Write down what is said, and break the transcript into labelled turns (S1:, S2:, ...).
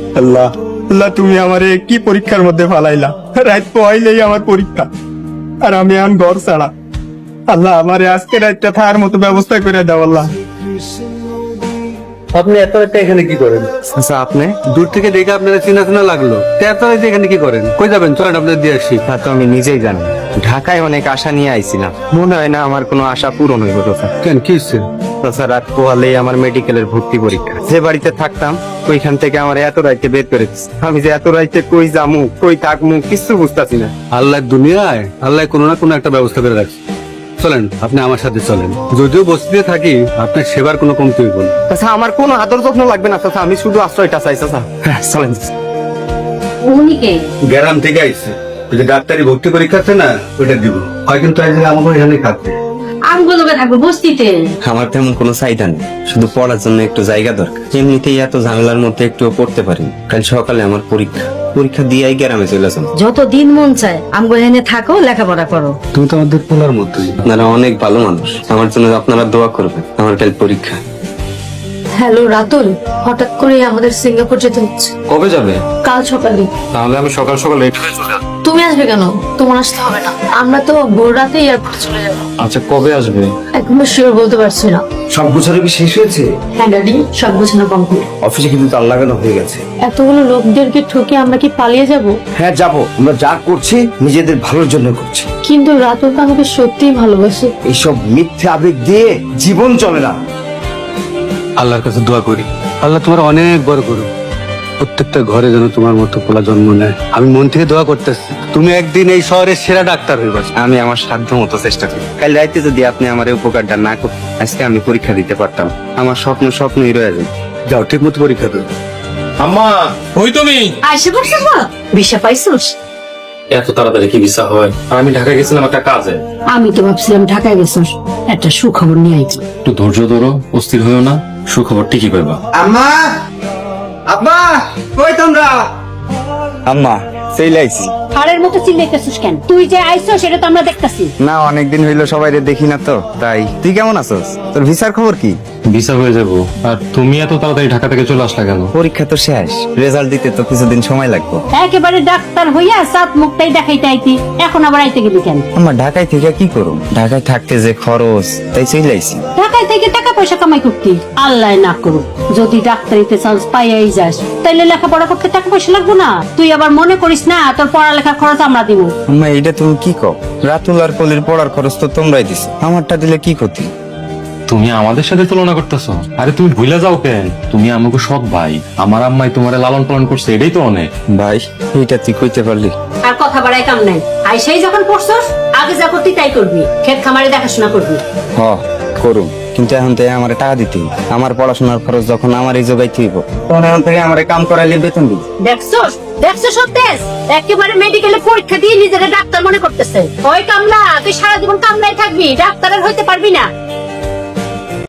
S1: আল্লাহ আল্লাহ, তুমি আমারে কি পরীক্ষার মধ্যে ফালাইলা? রাত পয়লেই আমার পরীক্ষা, আর আমি এখন ঘর ছাড়া। আল্লাহ, আমারে আজকে রাতটা থাকার মতো ব্যবস্থা করে দাও আল্লাহ।
S2: আপনি এত রাতে এখানে কি করেন? আচ্ছা, আপনি দূর থেকে দেখে আপনাদের চেনা চেনা লাগলো, তো এত রাতে এখানে কি করেন? কই যাবেন? চলেন আপনাদের দিয়ে আসি।
S1: তা তো আমি নিজেই জানি। ঢাকায় অনেক আশা নিয়ে আইছিলাম, মনে হয় না আমার কোনো আশা পূরণ হইব।
S2: কেন, কি হচ্ছে?
S1: রাত পোহালেই আমার মেডিকেলের ভর্তি পরীক্ষা। যে বাড়িতে থাকতাম ওইখান থেকে আমার এত রাইতে বের করে দিচ্ছে। আমি যে এত রাইতে কই যামু কই থাকমু কিছু বুঝতাছি না।
S2: আল্লাহর দুনিয়ায় আল্লাহ কোনো না কোনো একটা ব্যবস্থা করে রাখছে। চলেন, আপনি আমার সাথে চলেন। যদিও বস্তিতে থাকি, আপনার সেবার কোনো কমতি হইব না।
S1: আচ্ছা, আমার কোনো আদর যত্ন লাগবে না চাচা, আমি শুধু আশ্রয়টা চাই চাচা। হ্যাঁ, চলেন।
S3: উনি কে?
S2: গ্রাম থেকে আইছে, ওই যে ডাক্তারি ভর্তি পরীক্ষা আছে না, ওইটা দিব। হয় কিন্তু আমাকে এখানে থাকতে।
S3: আমগুলো থাকবো বস্তিতে।
S1: আমার তেমন কোনো চাহিদা নেই, শুধু পড়ার জন্য একটু জায়গা দরকার। এমনিতেই এত ঝামেলার মধ্যে একটুও পড়তে পারি। কাল সকালে আমার পরীক্ষা দিয়েই গ্রামে চলে যাবো।
S3: যত দিন মন চায় আমগো এনে থাকো, লেখাপড়া করো।
S2: তুমি তো আমাদের পোলার মতোই।
S1: আপনারা অনেক ভালো মানুষ, আমার জন্য আপনারা দোয়া করবেন। আমার কাল পরীক্ষা।
S4: হ্যালো রাতুল, হঠাৎ করে আমাদের সিঙ্গাপুর যেতে হচ্ছে।
S1: কবে যাবে?
S4: কাল সকালে।
S1: তাহলে আমি সকাল সকাল রেডি হয়ে চলে আসবো।
S4: তুমি আসবে কেন? তোমার আসতে হবে না, আমরা তো ভোর রাতে এয়ারপোর্টে চলে যাবো।
S1: আচ্ছা, কবে আসবে?
S4: একদম শিওর বলতে পারছি না।
S1: সব গোছানো কি শেষ হয়েছে?
S4: হ্যাঁ ড্যাডি, সব গোছানো কমপ্লিট।
S1: অফিসে কিন্তু তার লাগানো হয়ে গেছে।
S4: এতগুলো লোকদেরকে ঠকে আমরা কি পালিয়ে যাব?
S5: হ্যাঁ যাবো, আমরা যা করছি নিজেদের ভালোর জন্য করছি।
S4: কিন্তু রাতুল তো আমাকে সত্যিই ভালোবাসে।
S5: এইসব মিথ্যে আবেগ দিয়ে জীবন চলে না।
S2: আল্লাহর কাছে দোয়া করি, আল্লাহ তোমার অনেক বড় করুক। প্রত্যেকটা ঘরে যেন তোমার মতো পোলা জন্ম নেয়। আমি মন থেকে দোয়া করতেছি, তুমি একদিন এই শহরের সেরা ডাক্তার হইবা।
S1: আমি আমার সাধ্য মতো চেষ্টা করি। কাল রাইতে যদি আপনি আমার এই উপকারটা না করতেন, আজকে আমি পরীক্ষা দিতে পারতাম। আমার স্বপ্নই রয়ে যায়।
S2: যাও, ঠিক মতো পরীক্ষা দাও।
S6: আম্মা, ওই তুমি
S4: আইসে পড়ছে মা, ভিসা পাইছিস?
S6: এত তাড়াতাড়ি কি ভিসা হয়? আর আমি ঢাকা গেছিলাম একটা কাজে।
S3: আমি তো ভাবছিলাম ঢাকায় গেছিস, একটা সুখবর নিয়ে আইছি।
S6: একটু ধৈর্য ধরো, অস্থির হইও না, সুখবর ঠিকই পাইবা।
S5: আম্মা, আব্বা, কই তোমরা?
S1: আম্মা, সেই লাইছি
S3: হাড়ের মতো চিল্লাইতেছিস কেন? তুই যে আইছো সেটা তো আমরা দেখতাছি।
S1: না, অনেকদিন হইলো সবাই দেখি না তো, তাই। তুই কেমন আছোস? তোর ভিসার খবর কি?
S6: ভিসা হয়ে যাবো। আর তুমি এত তাড়াতাড়ি ঢাকা থেকে চলে আসলা কেন?
S1: পরীক্ষা তো শেষ, রেজাল্ট দিতে তো কিছুদিন সময় লাগবে।
S3: একেবারে ডাক্তার হইয়া সাত মুখটাই দেখাইতে আইতি, এখন আবার আইতে গেলি কেন?
S1: আমার ঢাকায় থেকে কি করুম? ঢাকায় থাকতে যে খরচ, তাই চলে আইছি।
S3: ঢাকায় থেকে টাকা পয়সা কামাই করতি, আল্লাহ না করুক যদি ডাক্তারিতে চান্স পাইয়াই যাস, তাইলে লেখাপড়া করতে টাকা পয়সা লাগবো না? তুই আবার মনে করিস না তোর পড়ালেখার খরচ আমরা দিব।
S1: আম্মা, এইটা তুমি কি কও? রাতুল আর কলির পড়ার খরচ তো তোমরাই দিছো, আমারটা দিলে কি ক্ষতি?
S6: তুমি আমাদের সাথে তুলনা করতেছো? আরে তুমি ভুলে যাও কেন? তুমি আমাকে সৎ ভাই, আমার আম্মাই তোমার লালন পালন করছে, এটাই তো অনেক।
S1: ভাই, এইটা তুই কইতে পারলি?
S3: আর কথা বাড়াই কাম নাই। আইসাই যখন পড়ছস, আগে যা করতি তাই করবি, ক্ষেত খামারে দেখাশোনা করবি।
S1: হ, করুম, কিন্তু এখন থেকে আমার টাকা দিতে হইব। আমার পড়াশোনার খরচ যখন আমারই জোগাইতে হইব, তখন এখন থেকে আমার কাম করাইলে বেতন দিবি।
S3: দেখছস সত্যেস একেবারে মেডিকেলে পরীক্ষা দিয়ে নিজেকে ডাক্তার মনে করতেছে। ওই কামলা, তুই সারা জীবন কামলাই থাকবি, ডাক্তারের হইতে পারবি না।